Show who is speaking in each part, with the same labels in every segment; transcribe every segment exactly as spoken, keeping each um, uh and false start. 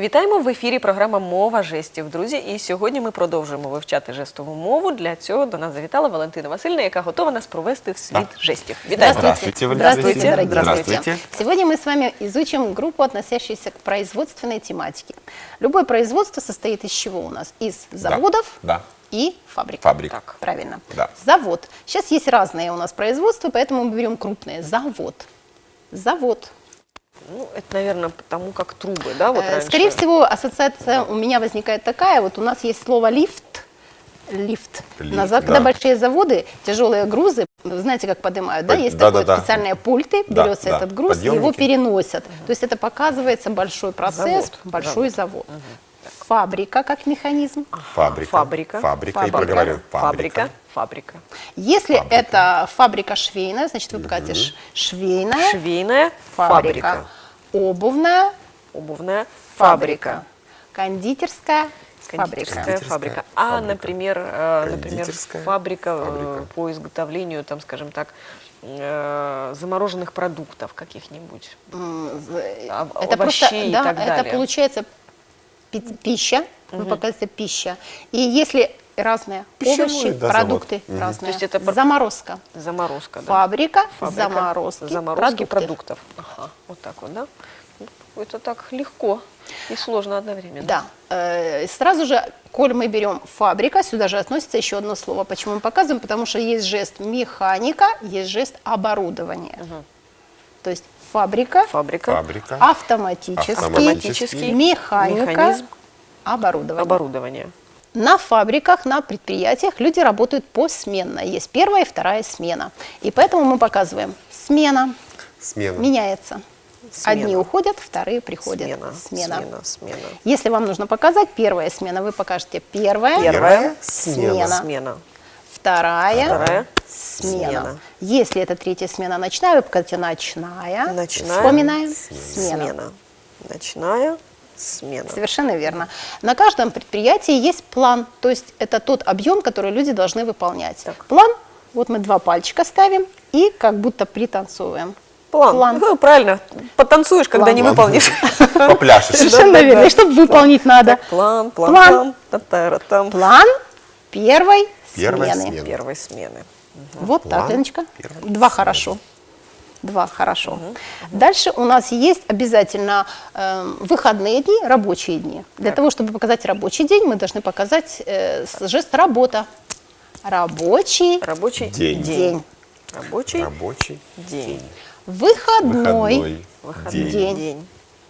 Speaker 1: Вітаємо в ефірі програма «Мова жестів», друзі. І сьогодні ми продовжуємо вивчати жестову мову. Для цього до нас завітала Валентина Васильівна, яка готова нас провести в світ
Speaker 2: Да.
Speaker 1: жестів. Вітаємо.
Speaker 2: Здравствуйте,
Speaker 3: Здравствуйте,
Speaker 2: Здравствуйте.
Speaker 3: дорогие
Speaker 2: Здравствуйте.
Speaker 3: друзья. Сегодня мы с вами изучим группу, относящуюся к производственной тематике. Любое производство состоит из чего у нас? Из заводов
Speaker 2: Да.
Speaker 3: и фабрик.
Speaker 2: Фабрик.
Speaker 3: Так, правильно.
Speaker 2: Да.
Speaker 3: Завод. Сейчас есть разные у нас производства, поэтому мы берем крупные. Завод. Завод.
Speaker 1: Ну, это, наверное, потому как трубы, да, вот
Speaker 3: Э,
Speaker 1: раньше.
Speaker 3: Скорее всего, ассоциация у меня возникает такая. Вот у нас есть слово «лифт». Лифт.
Speaker 2: Лифт,
Speaker 3: Назад,
Speaker 2: да.
Speaker 3: когда большие заводы, тяжелые грузы, вы знаете, как поднимают, да?
Speaker 2: Под-
Speaker 3: Есть
Speaker 2: да,
Speaker 3: такое
Speaker 2: да, да.
Speaker 3: специальные пульты,
Speaker 2: Да,
Speaker 3: берется
Speaker 2: да.
Speaker 3: этот груз, и его
Speaker 2: Подъемники.
Speaker 3: переносят. То есть это показывается большой процесс,
Speaker 1: Завод.
Speaker 3: большой завод. Фабрика как механизм.
Speaker 2: Фабрика.
Speaker 1: Фабрика.
Speaker 2: Фабрика. И
Speaker 3: Фабрика.
Speaker 2: проговорю.
Speaker 1: Фабрика. Фабрика.
Speaker 3: Если
Speaker 2: Фабрика.
Speaker 3: это фабрика швейная, значит вы покажете ш- швейная
Speaker 1: Швейная
Speaker 3: фабрика.
Speaker 1: фабрика.
Speaker 3: Обувная
Speaker 1: Обувная
Speaker 3: фабрика.
Speaker 1: фабрика.
Speaker 3: Кондитерская фабрика.
Speaker 1: Кондитерская
Speaker 2: Кондитерская
Speaker 1: фабрика. А,
Speaker 2: фабрика.
Speaker 1: например, э, например
Speaker 2: Кондитерская
Speaker 1: фабрика, э,
Speaker 2: фабрика.
Speaker 1: по изготовлению, там, скажем так, э, замороженных продуктов каких-нибудь.
Speaker 3: М, в-
Speaker 1: А-
Speaker 3: Это просто,
Speaker 1: овощей и
Speaker 3: да,
Speaker 1: так
Speaker 3: это
Speaker 1: далее.
Speaker 3: получается пи- пища, вы показываете пища. И если разные
Speaker 2: Пищевой,
Speaker 3: овощи,
Speaker 2: да,
Speaker 3: продукты
Speaker 2: завод. Мгм.
Speaker 3: разные,
Speaker 1: То есть это пр-
Speaker 3: заморозка.
Speaker 1: Заморозка, да.
Speaker 3: Фабрика,
Speaker 1: Фабрика
Speaker 3: заморозки,
Speaker 1: заморозки
Speaker 3: продукты.
Speaker 1: продуктов. Ага, вот так вот, да? Ну, это так легко и сложно одновременно.
Speaker 3: Да. Э, Сразу же, коль мы берем фабрика, сюда же относится еще одно слово. Почему мы показываем? Потому что есть жест механика, есть жест оборудования. То есть фабрика,
Speaker 1: Фабрика,
Speaker 2: Фабрика.
Speaker 3: автоматический,
Speaker 2: Автоматический.
Speaker 3: механика,
Speaker 1: механизм,
Speaker 3: оборудование.
Speaker 1: оборудование.
Speaker 3: На фабриках, на предприятиях люди работают посменно. Есть первая и вторая смена. И поэтому мы показываем смена,
Speaker 2: Смена.
Speaker 3: меняется.
Speaker 1: Смена.
Speaker 3: Одни уходят, вторые приходят.
Speaker 1: Смена,
Speaker 3: Смена.
Speaker 1: смена, смена.
Speaker 3: Если вам нужно показать первая смена, вы покажете первая,
Speaker 1: Первая
Speaker 3: смена.
Speaker 1: смена.
Speaker 3: вторая,
Speaker 1: Вторая
Speaker 3: смена.
Speaker 1: смена.
Speaker 3: Если это третья смена ночная, вы покажете ночная,
Speaker 1: Ночная
Speaker 3: вспоминаем, смена.
Speaker 1: Смена. Ночная смена.
Speaker 3: Совершенно верно. На каждом предприятии есть план, то есть это тот объем, который люди должны выполнять.
Speaker 1: Так.
Speaker 3: План, вот мы два пальчика ставим и как будто пританцуем.
Speaker 1: План.
Speaker 3: План.
Speaker 1: Ну, правильно. Потанцуешь, когда
Speaker 3: План.
Speaker 1: не выполнишь.
Speaker 2: Попляшешь.
Speaker 3: Совершенно
Speaker 1: да,
Speaker 3: верно.
Speaker 1: да.
Speaker 3: И чтобы выполнить надо.
Speaker 1: Так, план, план,
Speaker 3: План.
Speaker 1: план. Та-та-ра-там.
Speaker 3: План первой
Speaker 2: Первой
Speaker 3: смены.
Speaker 2: смены.
Speaker 1: Первой смены.
Speaker 3: Вот так,
Speaker 2: План
Speaker 3: Леночка.
Speaker 2: первой
Speaker 3: Два
Speaker 2: смены.
Speaker 3: хорошо. Два хорошо. Дальше у нас есть обязательно э, выходные дни, рабочие дни. Для
Speaker 1: Так.
Speaker 3: того, чтобы показать рабочий день, мы должны показать э, с- жест работа. Рабочий
Speaker 1: Рабочий
Speaker 2: День.
Speaker 3: день.
Speaker 1: Рабочий
Speaker 2: Рабочий
Speaker 1: день.
Speaker 3: Выходной,
Speaker 2: выходной
Speaker 1: Выходной
Speaker 2: день.
Speaker 1: день.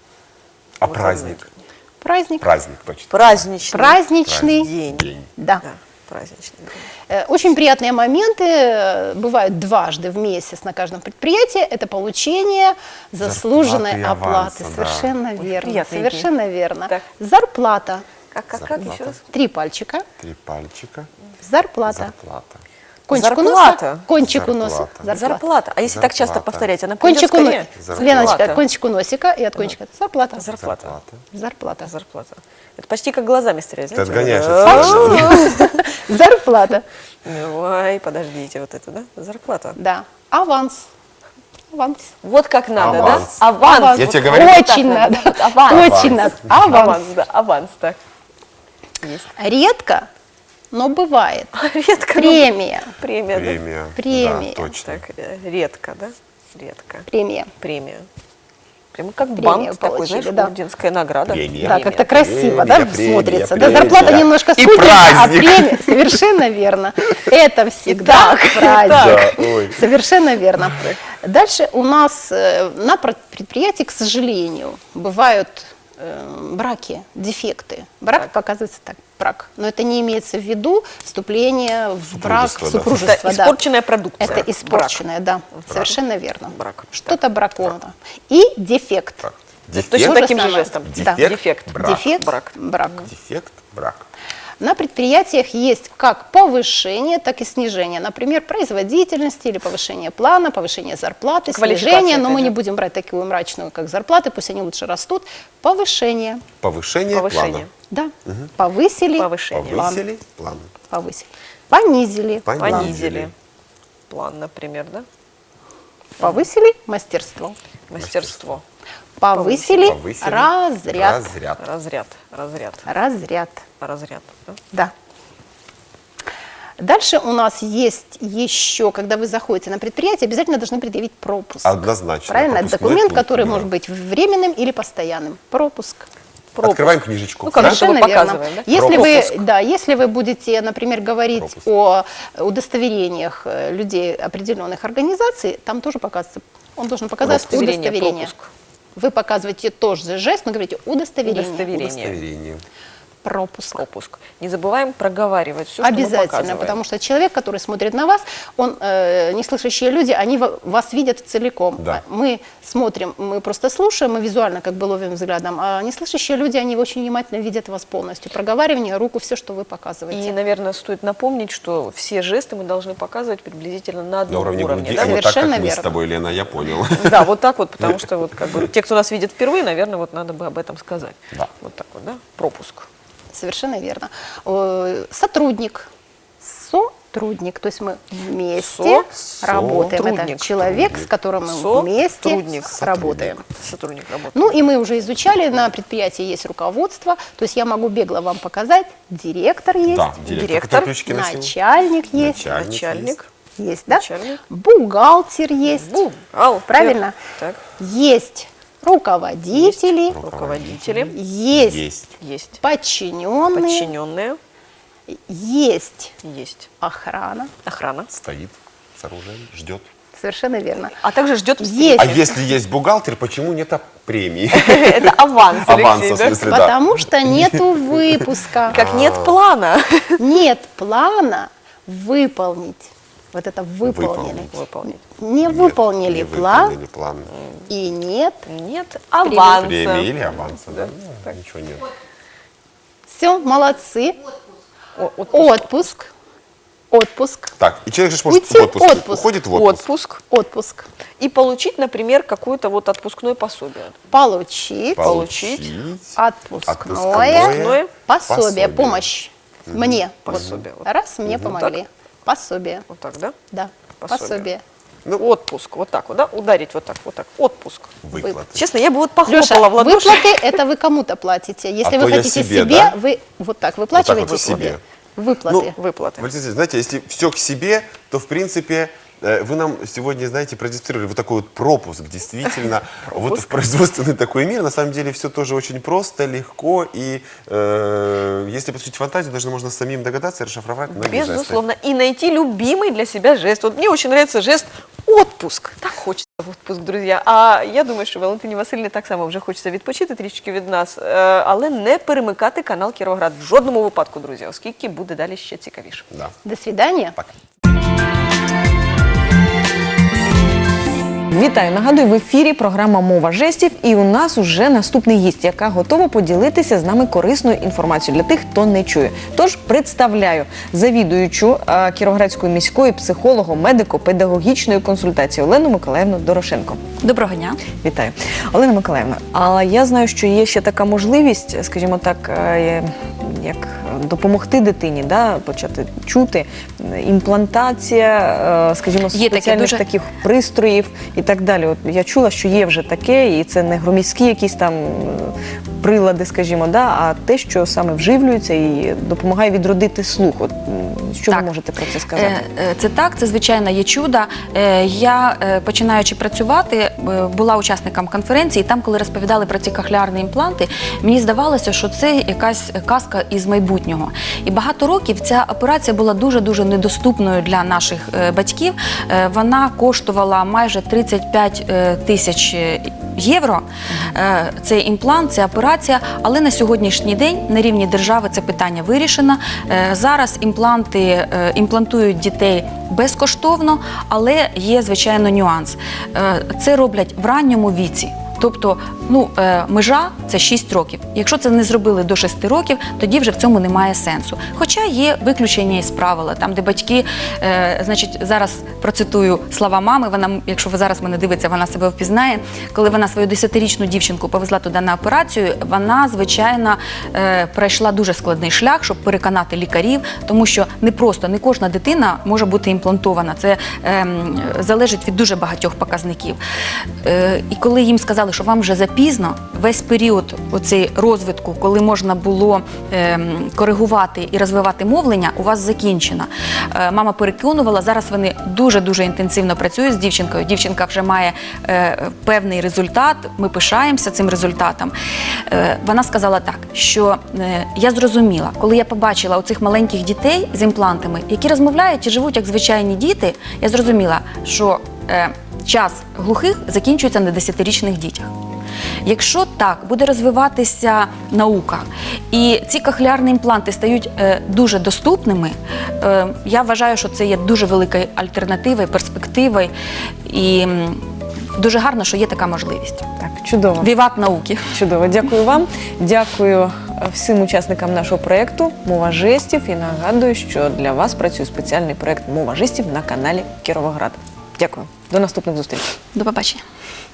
Speaker 2: А
Speaker 1: Выходной
Speaker 2: праздник?
Speaker 3: праздник,
Speaker 2: Праздник точно.
Speaker 1: Праздничный
Speaker 3: праздничный
Speaker 1: день.
Speaker 2: День.
Speaker 3: Да.
Speaker 1: Да, праздничный день.
Speaker 3: Э, Очень приятные моменты э, бывают дважды в месяц на каждом предприятии. Это получение заслуженной
Speaker 2: Зарплаты и
Speaker 3: оплаты.
Speaker 2: аванса, да.
Speaker 3: Совершенно
Speaker 1: Очень
Speaker 3: верно.
Speaker 1: приятные
Speaker 3: Совершенно верно.
Speaker 1: Так.
Speaker 3: Зарплата.
Speaker 1: Как, как, как еще раз?
Speaker 3: Три пальчика.
Speaker 2: Три пальчика.
Speaker 3: Зарплата.
Speaker 2: Зарплата.
Speaker 3: Кончик
Speaker 1: Зарплата.
Speaker 3: у носа. Кончик у носа.
Speaker 2: Зарплата.
Speaker 1: Зарплата. А если так часто
Speaker 2: Зарплата.
Speaker 1: повторять, она придет
Speaker 3: Кончик у
Speaker 1: скорее?
Speaker 3: носа.
Speaker 2: Зарплата.
Speaker 3: Леночка, кончик у носика и от кончика. Зарплата.
Speaker 1: Зарплата.
Speaker 3: Зарплата.
Speaker 1: Зарплата. Это почти как глазами стрелять.
Speaker 2: Ты
Speaker 1: знаете?
Speaker 2: отгоняешь
Speaker 1: А,
Speaker 2: от слышания.
Speaker 3: Зарплата.
Speaker 1: Ой, подождите, вот это, да? Зарплата.
Speaker 3: Да. Аванс. Аванс.
Speaker 1: Вот как надо,
Speaker 2: Аванс.
Speaker 1: да? Аванс.
Speaker 2: Я
Speaker 1: Вот
Speaker 2: тебе
Speaker 1: так
Speaker 2: говорю.
Speaker 3: Очень надо.
Speaker 1: Аванс.
Speaker 3: Очень надо.
Speaker 1: Аванс,
Speaker 3: Аванс.
Speaker 1: да, аванс, так. Есть.
Speaker 3: Редко, но бывает.
Speaker 1: Редко. ну,
Speaker 3: Премия.
Speaker 1: Премия, да?
Speaker 2: Премия.
Speaker 3: Премия.
Speaker 2: Да, точно.
Speaker 1: Так, э, редко, да? Редко.
Speaker 3: Премия.
Speaker 1: Премия. Прямо как
Speaker 3: Премию
Speaker 1: банк такой,
Speaker 3: получили,
Speaker 1: знаешь,
Speaker 3: да.
Speaker 1: орденская награда.
Speaker 2: Премия.
Speaker 3: Да, как-то красиво,
Speaker 2: Премия,
Speaker 3: да,
Speaker 2: премия,
Speaker 3: смотрится.
Speaker 2: премия,
Speaker 3: да, зарплата
Speaker 2: да.
Speaker 3: немножко
Speaker 2: И
Speaker 3: скучная, а
Speaker 2: праздник.
Speaker 3: премия совершенно верно. Это всегда праздник.
Speaker 2: Да, ой.
Speaker 3: Совершенно верно. Дальше у нас э, на пр- предприятии, к сожалению, бывают э, браки, дефекты. Брак показывается так, брак. Но это не имеется в виду вступление в брак, в
Speaker 2: Супружество, да.
Speaker 3: супружество.
Speaker 1: Это
Speaker 3: да.
Speaker 1: испорченная продукция.
Speaker 3: Это испорченное, да, совершенно верно.
Speaker 1: Брак.
Speaker 3: Что-то браковано. И дефект.
Speaker 2: Так.
Speaker 1: Точно
Speaker 2: Дефект.
Speaker 1: таким же
Speaker 3: самое.
Speaker 1: жестом.
Speaker 3: Да.
Speaker 1: Дефект.
Speaker 2: Брак.
Speaker 3: Дефект,
Speaker 1: Брак.
Speaker 3: брак.
Speaker 2: Дефект. Брак.
Speaker 3: На предприятиях есть как повышение, так и снижение. Например, производительности или повышение плана, повышение зарплаты,
Speaker 1: Квалификация,
Speaker 3: снижение. Но
Speaker 1: опять
Speaker 3: мы
Speaker 1: же.
Speaker 3: не будем брать такую мрачную, как зарплаты, пусть они лучше растут. Повышение.
Speaker 2: Повышение,
Speaker 1: Повышение.
Speaker 3: Да. Повысили.
Speaker 1: Повышение.
Speaker 2: плана. Повысили план.
Speaker 3: Повысили. Понизили.
Speaker 2: Понизили.
Speaker 1: Понизили. План, например, да?
Speaker 3: Повысили мастерство.
Speaker 1: Мастерство.
Speaker 3: повысили,
Speaker 2: Повысили.
Speaker 3: разряд.
Speaker 2: Разряд.
Speaker 1: Разряд, разряд,
Speaker 3: Разряд.
Speaker 1: разряд. да?
Speaker 3: Да. Дальше у нас есть еще, когда вы заходите на предприятие, обязательно должны предъявить пропуск.
Speaker 2: Однозначно.
Speaker 3: Правильно? Это
Speaker 2: Пропускной
Speaker 3: документ,
Speaker 2: пункт,
Speaker 3: который
Speaker 2: да.
Speaker 3: может быть временным или постоянным. Пропуск.
Speaker 1: Пропуск.
Speaker 2: Открываем книжечку.
Speaker 1: Ну, как
Speaker 2: да?
Speaker 1: будто бы
Speaker 3: Совершенно верно.
Speaker 1: показываем, да?
Speaker 3: Если
Speaker 2: Пропуск.
Speaker 3: вы, да, если вы будете, например, говорить
Speaker 2: Пропуск.
Speaker 3: о удостоверениях э, людей определенных организаций, там тоже показывается, он должен показать
Speaker 1: Удостоверение,
Speaker 3: удостоверение.
Speaker 1: пропуск.
Speaker 3: Вы показываете тот же жест, но говорите удостоверение.
Speaker 1: Удостоверение.
Speaker 2: Удостоверение.
Speaker 3: Пропуск.
Speaker 1: Пропуск. Не забываем проговаривать все, что мы
Speaker 3: Обязательно,
Speaker 1: показываем.
Speaker 3: потому что человек, который смотрит на вас, он, э, неслышащие люди, они во- вас видят целиком.
Speaker 2: Да.
Speaker 3: А Мы смотрим, мы просто слушаем, мы визуально как бы ловим взглядом, а неслышащие люди, они очень внимательно видят вас полностью. Проговаривание, руку, все, что вы показываете.
Speaker 1: И, наверное, стоит напомнить, что все жесты мы должны показывать приблизительно на
Speaker 2: На
Speaker 1: одном
Speaker 2: уровне
Speaker 1: уровне.
Speaker 2: груди.
Speaker 1: да?
Speaker 2: А вот так, как
Speaker 3: Совершенно
Speaker 2: мы с
Speaker 3: верно.
Speaker 2: тобой, Лена, я понял.
Speaker 1: Да, вот так вот, потому что вот как бы те, кто нас видит впервые, наверное, вот надо бы об этом сказать.
Speaker 2: Да.
Speaker 1: Вот так вот, да? Пропуск.
Speaker 3: Совершенно верно. Э, Сотрудник. Сотрудник. То есть мы вместе
Speaker 1: Со-
Speaker 3: работаем. Это
Speaker 1: сотрудник.
Speaker 3: человек, с которым мы вместе
Speaker 1: Сотрудник.
Speaker 3: работаем.
Speaker 1: Сотрудник работает.
Speaker 3: Ну и мы уже изучали, на предприятии есть руководство, то есть я могу бегло вам показать, директор есть,
Speaker 2: Да, директор.
Speaker 1: Директор.
Speaker 2: Какие ключики носил?
Speaker 3: начальник есть,
Speaker 2: Начальник
Speaker 1: Начальник.
Speaker 3: есть, да?
Speaker 1: Начальник.
Speaker 3: Бухгалтер есть,
Speaker 1: Бухгалтер.
Speaker 3: правильно?
Speaker 1: Так.
Speaker 3: Есть руководители,
Speaker 1: Руководители.
Speaker 3: есть,
Speaker 2: Есть.
Speaker 1: Есть.
Speaker 3: подчиненные,
Speaker 1: Подчиненные.
Speaker 3: есть
Speaker 1: Есть.
Speaker 3: охрана.
Speaker 1: Охрана.
Speaker 2: Стоит с оружием, ждет.
Speaker 3: Совершенно верно.
Speaker 1: А также ждет
Speaker 3: Есть.
Speaker 2: А если есть бухгалтер, почему нет премии?
Speaker 1: Это аванс,
Speaker 2: Аванс,
Speaker 1: Алексей,
Speaker 2: в
Speaker 1: да?
Speaker 2: смысле, да.
Speaker 3: Потому что нету выпуска.
Speaker 1: Как нет плана.
Speaker 3: Нет плана выполнить. Вот это выполнили.
Speaker 1: Выполнить.
Speaker 3: Не
Speaker 2: Нет,
Speaker 3: выполнили
Speaker 2: не
Speaker 3: план
Speaker 2: выполнили план.
Speaker 3: и нет.
Speaker 1: Нет аванса.
Speaker 2: Премии или аванса, да? Ну, ничего нет.
Speaker 3: Все, молодцы.
Speaker 1: О, отпуск.
Speaker 3: Отпуск. Отпуск.
Speaker 2: Так, и человек же может
Speaker 3: Уйти
Speaker 2: в отпуск,
Speaker 3: отпуск.
Speaker 2: уходит в отпуск.
Speaker 1: Отпуск.
Speaker 3: Отпуск.
Speaker 1: И получить, например, какое-то вот отпускное пособие.
Speaker 3: Получить
Speaker 1: Получить.
Speaker 3: отпускное,
Speaker 1: Отпускное
Speaker 3: пособие,
Speaker 2: пособие.
Speaker 3: помощь мне. Вот.
Speaker 1: Пособие. Вот.
Speaker 3: Раз, мне
Speaker 1: Мгм.
Speaker 3: помогли. Пособие.
Speaker 1: Вот так, да?
Speaker 3: Да,
Speaker 1: Пособие.
Speaker 3: пособие.
Speaker 2: Ну,
Speaker 1: Отпуск. Вот так вот, да? Ударить вот так, вот так. Отпуск.
Speaker 2: выплаты.
Speaker 1: Честно, я бы вот похлопала
Speaker 3: Леша,
Speaker 1: в ладоши.
Speaker 3: выплаты это вы кому-то платите. Если
Speaker 2: А
Speaker 3: вы
Speaker 2: то я
Speaker 3: хотите
Speaker 2: себе,
Speaker 3: себе,
Speaker 2: да?
Speaker 3: вы вот так выплачиваете
Speaker 2: вот
Speaker 3: себе.
Speaker 2: себе.
Speaker 3: Выплаты.
Speaker 1: Выплаты.
Speaker 2: Валентин Алексеевич, знаете, если все к себе, то, в принципе, э, вы нам сегодня, знаете, продемонстрировали вот такой вот пропуск. Действительно, вот в производственный такой мир, на самом деле, все тоже очень просто, легко. И э, если посвятить фантазию, даже можно самим догадаться и расшифровать многие жесты.
Speaker 1: Безусловно. И найти любимый для себя жест. Вот мне очень нравится жест отпуск. Так хочеться в отпуск, друзі. А я думаю, що Валентині Васильівні так само вже хочеться відпочити трішки від нас, е, але не перемикати канал Кіровоград в жодному випадку, друзі, оскільки буде далі ще цікавіше.
Speaker 2: Да.
Speaker 3: До свидания.
Speaker 2: Пока.
Speaker 4: Вітаю! Нагадую, в ефірі програма «Мова жестів» і у нас уже наступний гість, яка готова поділитися з нами корисною інформацією для тих, хто не чує. Тож представляю завідуючу е, Кіровоградської міської психолого-медико-педагогічної консультації Олену Миколаївну Дорошенко.
Speaker 5: Доброго дня.
Speaker 4: Вітаю. Олена Миколаївна, але я знаю, що є ще така можливість, скажімо так, е, як допомогти дитині, да, почати чути, імплантація, е, скажімо,
Speaker 5: Є таке,
Speaker 4: спеціальних
Speaker 5: дуже-
Speaker 4: таких пристроїв і так далі. От я чула, що є вже таке, і це не громіські якісь там е, прилади, скажімо, да, а те, що саме вживлюється і допомагає відродити слух. От, м, що
Speaker 5: Так.
Speaker 4: ви можете про це сказати?
Speaker 5: Е, е, Це так, це звичайно є чудо. Е, Я, е, починаючи працювати, е, була учасником конференції, і там, коли розповідали про ці кохлеарні імпланти, мені здавалося, що це якась казка із майбутнього. І багато років ця операція була дуже-дуже недоступною для наших е, батьків. Е, Вона коштувала майже тридцять п'ять е, тисяч євро. Е, Цей імплант, ця операція, але на сьогоднішній день на рівні держави це питання вирішено. Е, Зараз імпланти е, імплантують дітей безкоштовно, але є, звичайно, нюанс. Е, Це роблять в ранньому віці. Тобто, ну, е, межа – це шість років. Якщо це не зробили до шести років, тоді вже в цьому немає сенсу. Хоча є виключення із правила, там, де батьки, е, значить, зараз процитую слова мами, вона, якщо ви зараз мене дивиться, вона себе впізнає. Коли вона свою десятирічну дівчинку повезла туди на операцію, вона, звичайно, е, пройшла дуже складний шлях, щоб переконати лікарів, тому що не просто, не кожна дитина може бути імплантована. Це е, залежить від дуже багатьох показників. Е, і коли їм сказали, сказали, що вам вже запізно, весь період оцей розвитку, коли можна було е, коригувати і розвивати мовлення, у вас закінчено. Е, мама переконувала, зараз вони дуже-дуже інтенсивно працюють з дівчинкою. Дівчинка вже має е, певний результат, ми пишаємося цим результатом. Е, вона сказала так, що е, я зрозуміла, коли я побачила оцих маленьких дітей з імплантами, які розмовляють і живуть як звичайні діти, я зрозуміла, що е, час глухих закінчується на десятирічних дітях. Якщо так буде розвиватися наука і ці кохлеарні імпланти стають е, дуже доступними, е, я вважаю, що це є дуже великою альтернативою, перспективою і м, дуже гарно, що є така можливість.
Speaker 4: Так, чудово.
Speaker 5: Віват науки!
Speaker 4: Чудово, дякую вам. Дякую всім учасникам нашого проєкту «Мова жестів». І нагадую, що для вас працює спеціальний проєкт «Мова жестів» на каналі Кіровоград. Дякую. До наступних зустрічей.
Speaker 5: До побачення!